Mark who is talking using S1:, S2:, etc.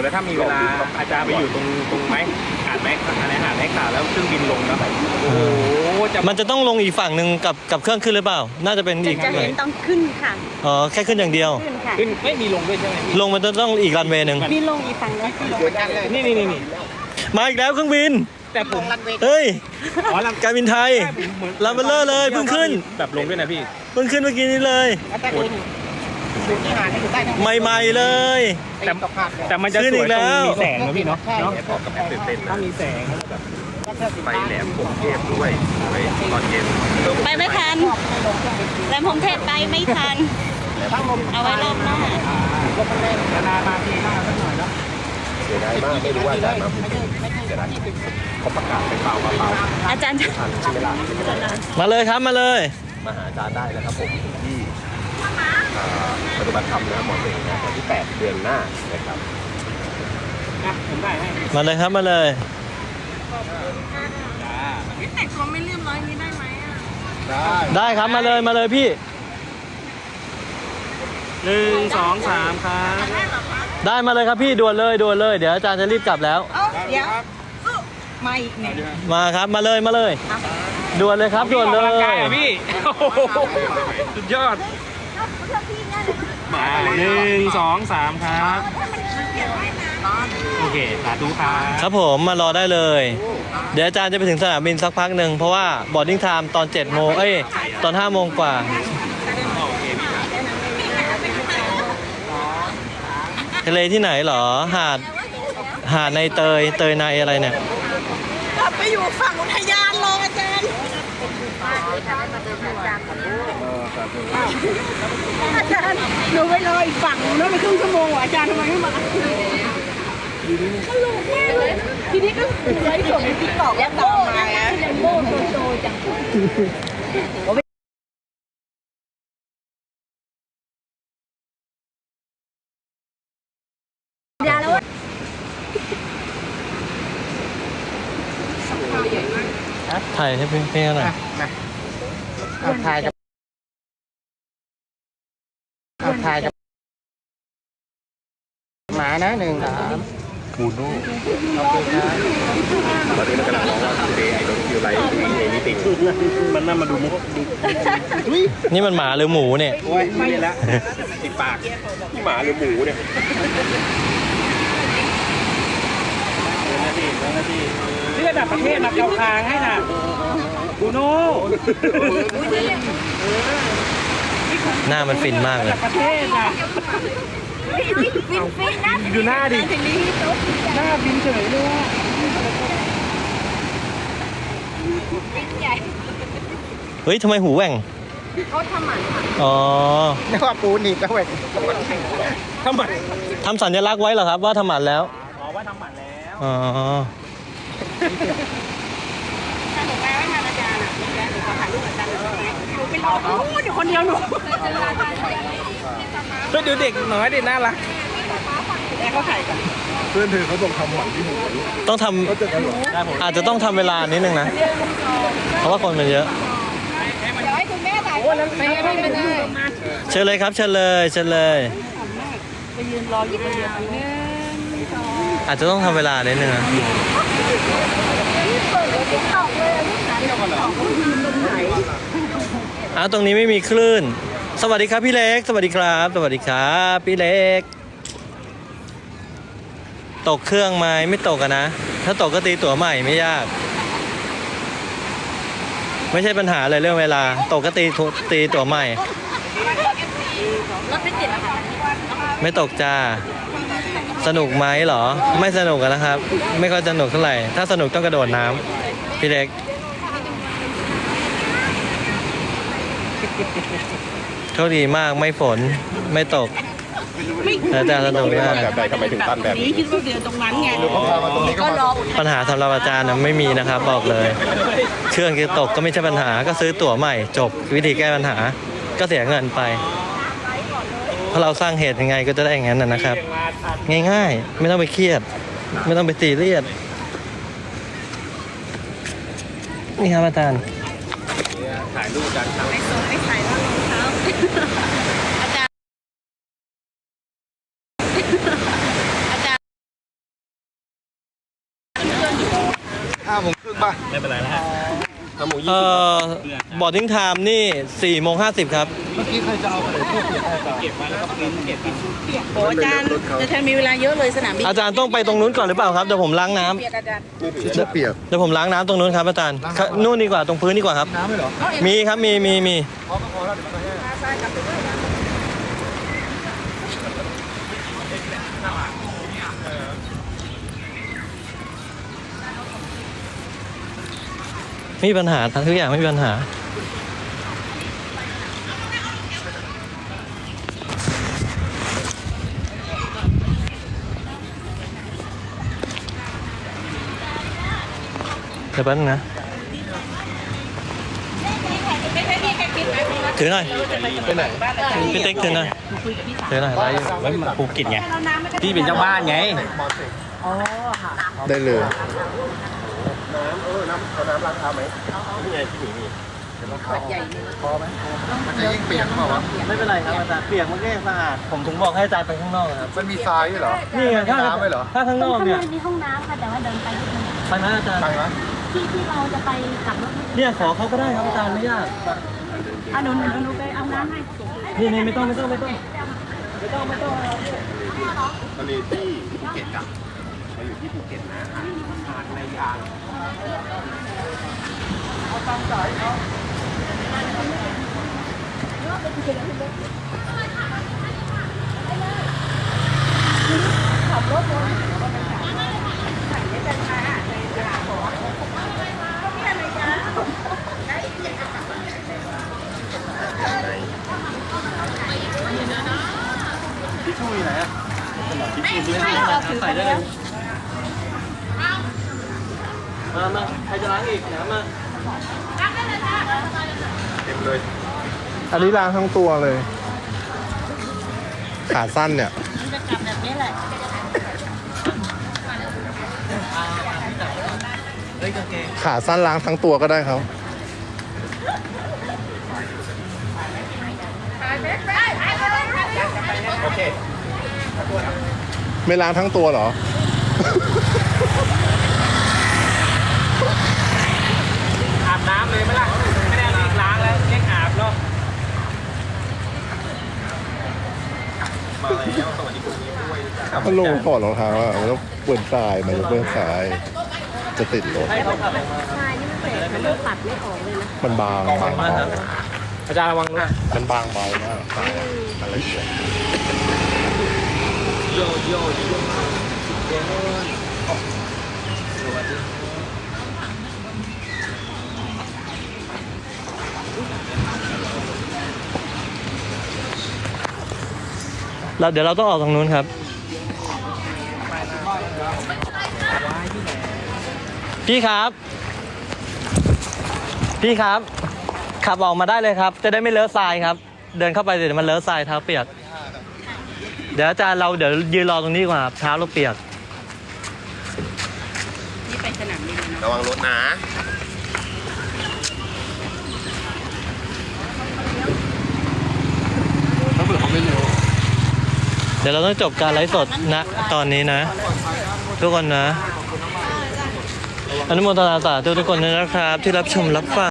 S1: แล้วถ้ามีเวลาอาจารย์ไปอยู่ตรงไม้หาดไม้อะไรหาดไม้ขาวแล้วเครื่องบินลงแล้วโอ้โห
S2: มันจะต้องลงอีกฝั่งหนึ่งกับเครื่องขึ้นหรือเปล่าน่าจะเป็นอีก
S3: จะเห็นต้องขึ้นค่ะ
S2: อ๋อแค่ขึ้นอย่างเดียว
S3: ขึ้นค่ะ
S1: ขึ้นไม่มีลงด้วยใช่ไหม
S2: ลงมันจะต้องอีกรันเวย์หนึ่ง
S3: มีลงอีกฝั่งนึงขึ้นลง
S1: นี่
S2: มาอีกแล้วเครื่องบิน
S1: แต่ผม
S2: เฮ้ย
S1: อ๋อ
S2: การบินไทยลำเบลเลอร์เลยเพิ่งขึ้น
S1: แบบลงด้วยนะพี่
S2: เพิ่งขึ้นเมื่อกี้นี้เลยใหม่ๆเลย
S1: แต่มันจะสวยตรงมีแสงนะพี่เนาะ
S4: กับแอปตื่นเต้น
S1: ถ้ามีแสง
S4: ไปแหลมผมเทพด้วยไปตอนเย็น
S3: ไปไม่ทันแหลมพรหมเทพไปไม่ทัน เอาไว้รอบหน้า
S1: นามาทีหน้าสักหน่อยเนาะ
S4: เสียดายมากไม่รู้ว่าจะมาภูเก็ตเสียดายเขาประกาศไปเปล่า
S3: อาจารย์จะ
S4: ทันใช่ไหมล่ะ
S2: มาเลยครับมาเลย
S4: มาหาอาจารย์ได้นะครับผมที่ปฏิบัติธรรมนะหมอเองนะวันที่8เดือนหน้านะครับ
S1: ผมได้ให้
S2: มาเลยครับมาเลย
S3: แต่งตัวไม่เรียบร้อยนี้ได้ไหมอ่ะ
S2: ได้ครับมาเลยพี่
S1: 1 2 3ครับ
S2: ได้มาเลยครับพี่ด่วนเลยเดี๋ยวอาจารย์จะรีบกลับแล้ว
S3: เดี๋ยวมาอีกหนึ่ง
S2: มาครับมาเลยด่วนเลยครับด่วนเล
S1: ออกกำลังกาย
S2: ย
S1: อ่ะพี่โอ้โหสุดยอดมา1 2 3ครับโอเคสาธุครับ
S2: ครับผมมารอได้เลย เดี๋ยวอาจารย์จะไปถึงสนามบินสักพักหนึ่งเพราะว่าบอร์ดดิ้งไทม์ตอน7 โมงตอน5 โมงกว่าทะเลที่ไหนเหรอหาดในเตยในอะไรเนี่ย
S3: กลับไปอยู่ฝั่งอุทยานรองอาจารย์อาจารย์หนูไปรออีกฝั่งแล้วไปครึ่งชั่วโมงอาจารย์ทำไมไม่มาตลกมากเลยทีนี้ก็ไลฟ์สดในติ๊กต็อกแล้วตามมายังโม่โตจังยาแล้ว
S2: ถ่ายให้เพื่อนๆหน่อย
S1: ถ่ายกับหมานะ1 3
S4: คูโน่ตอนนี้เรากำลังมองว่าทูเดย์ไอดอลคิวไลท์เอนิติง
S1: มันน่ามาดูมุก
S2: นี่มันหมาหรือหมูเนี่ย
S1: โอ้ยไม่แล้วติดปาก
S4: ที่หมาหรือหมูเนี่ย
S1: นี่ระดับประเทศมาเกาคางให้นะบูโน่
S2: หน้ามันฟินมากเลย
S1: ประเทศนะดูหน้าดิหน้าบินเฉยเลย
S2: เฮ้ยทำไมหูแหว่ง
S3: เขาทำหมันค่ะ
S2: อ๋อ
S1: นึกว่าปูหนีบแล้วเว้ยทำไม
S2: ทำสัญลักษณ์ไว้เหรอครับว่าทำหมันแล้ว
S1: อ๋อว่าทำหมันแล้ว
S2: อ๋อ
S3: ถ้าหนูแปลไม่ทันอาจารย์อ่ะแล้วหนูขอถ่ายรูปอาจารย์หน่อยได้ไหมหนูไปรอพูดอยู่คนเดียวหนู
S1: เฮ้ยดูเด็กน้อยดิน่ารัก
S3: แต่เขาถ่ายกัน
S4: เพื่อนเธอเขาบอกทำหมันที่หมู
S2: ต้องท
S4: เขาจะกันหรอ
S2: ำอาจจะต้องทำเวลานิดนึงนะ เพราะว่าคนมันเยอะ
S3: เดี๋ยวให้คุณแม่ถ่ายไม่ได้
S2: เชิญเลยครับเชิญเลย
S3: ไปยืนรออยู่คนเดียวนึง
S2: อาจจะต้องทำเวลานิดนึงนะ
S3: เปิดติ๊กต็อกเลยลูกหลานติ๊กต็อกเขายืนตรงไหน
S2: อ้าวตรงนี้ไม่มีคลื่น สวัสดีครับพี่เล็ก สวัสดีครับพี่เล็ก ตกเครื่องไหมไม่ตกอะนะ ถ้าตกก็ตีตั๋วใหม่ไม่ยาก ไม่ใช่ปัญหาเลยเรื่องเวลา ตกก็ตีตั๋วใหม่
S3: รถไม่ติดนะคะ
S2: ไม่ตกจ้า สนุกไหมเหรอ ไม่สนุกอะนะครับ ไม่ค่อยสนุกเท่าไหร่ ถ้าสนุกต้องกระโดดน้ำพี่เล็ก โชคดีมากไม่ฝนไม่ตกอาจารย์สนุกมาก
S4: แบบใดทำไมถึงตั้นแบบนี้
S3: คิดว่าเดือนตรงนั้นไง
S4: เขาพามาตรงนี้ก็
S3: ก็
S4: มาร
S3: อ
S2: ปัญหาสำหรับอาจารย์นะไม่มีนะครับบอกเลย เครื่องจะตกก็ไม่ใช่ปัญหาก็ซื้อตั๋วใหม่จบวิธีแก้ปัญหา ก็เสียเงินไปเพราะเราสร้างเหตุยังไงก็จะได้อย่างนั้นนะครับ ง่ายๆ ไม่ต้องไปเครียด ไม่ต้องไปซีเรียสนี่ครับอาจารย์
S1: ถ่ายรูปกันครับ
S3: ไม่ใส่แล้วรองเท้า
S4: 5:30ป่ะ
S1: ไม่เป็นไรนะฮะ
S2: บอร์ดิ้งไทม์นี่4:50ครับ
S4: เมื่อกี้ใครจะเอาอะไรพวกเปียก
S1: เก็บมาแล้วก็เก็บมา
S3: โอ้อาจารย์อาจารย์มีเวลาเยอะเลยสนามบิน
S2: อาจารย์ต้องไปตรงนู้นก่อนหรือเปล่าครับเดี๋ยวผมล้างน้ำ
S3: เปียกอาจารย์
S4: ชื่อเปียก
S2: เดี๋ยวผมล้างน้ำตรงนู้นครับอาจารย์นู่นดีกว่าตรงพื้นดีกว่าครับ
S4: น้ำไหมเหรอ
S2: มีครับมี
S4: พอก็พอแล้วเดี๋ยวมันก็แห้ง
S3: ทรายกลับไปด้วยนะ
S2: ไม่มีปัญหาทุกอย่างไม่มีปัญหาเดี๋ยวแป๊บนึงนะถือหน่อย
S4: ไปไหน
S2: พี่ติ๊กถือหน่อยถือหน่อยอะไรอยู่
S1: ไว้มาภูเก็ตไงพี่เป็นเจ้าบ้านไง
S4: ได้เลยน้ำเอาน้ำล้างเท้าไหมนี่ไงที่หมีมีพอไหมมันจะยิ่งเปียกเปล่าวะ
S2: ไม่เป็นไรครับอาจารย์เปียกมันก็ยังสะอาดผมถึงบอกให้อาจารย์ไปข้างนอกครับ
S4: มันมีทรายด้วยเหรอ
S2: นี่ไงถ้า
S4: น้ำไหมเหรอ
S2: ถ้าข้างนอกเนี่ย
S5: มีห้องน้ำค่ะแต่ว่าเดินไปนิดนึง
S2: ไปไหมอาจารย์
S4: ไปไหม
S5: ที่เราจะไปกลับรถ
S2: เนี่ยขอเขาก็ได้ครับอาจารย์ไม่ยาก
S5: อ่ะหนูไปเอาน้ำให้
S2: นี่ไม่ต้อง
S4: ตอนนี้ที่ภูเก็ตอะเราอยู่ที่ภูเก็ตนะทางในยางที่ช่วยไหนอะ
S2: ใส่ได้เลยมาใครจะล้างอีกนะมา
S4: เต็มเลยอันนี้ล้างทั้งตัวเลย ขาสั้นเนี่ย
S5: มันจะกลับแบบนี้แหละ
S2: เฮ้ยกางเกง
S4: ขาสั้นล้างทั้งตัวก็ได้ครับ โอเค ไม่ล้างทั้งตัวเหรอ
S1: อาบน้ำเลยไหมล่ะไม่ได้เอาอีกล้างแล้วแค่อาบเนาะ
S4: มาแล้วสวัสดีคุณด้วยถ้าลงถอดรองเท้าอ่ะมันต้องเปื้อนทรายมันจะเปื้อนทราย จะติดรถ
S2: ให้เขาขับออกมา
S5: ทรายนี่มันแตกมันต้องปัดไม่ออกเลยนะ
S4: มันบางเบา
S1: อาจารย์ระวังด้วย
S4: มันบางเบามากทรายอะมันละเอียด
S1: โยโย่
S2: เดี๋ยวเราต้องออกตรงนู้นครับ พี่ครับ พี่ครับ ขับออกมาได้เลยครับ จะได้ไม่เลอะทรายครับ เดินเข้าไปเดี๋ยวมันเลอะทรายเท้าเปียก เดี๋ยวอาจารย์เดี๋ยวยืนรอตรงนี้ก่อนครับเท้าเราเปียก
S3: นี่ไปสนามบินนะ
S4: ระวังรถนะ ถ้าเบื่อเขาไม่เร็ว
S2: เดี๋ยวเราต้องจบการไลฟ์สดนะตอนนี้นะ ทุกคนนะอนุโมทนาสาธุทุกคนด้วยนะครับ ที่รับชมรับฟัง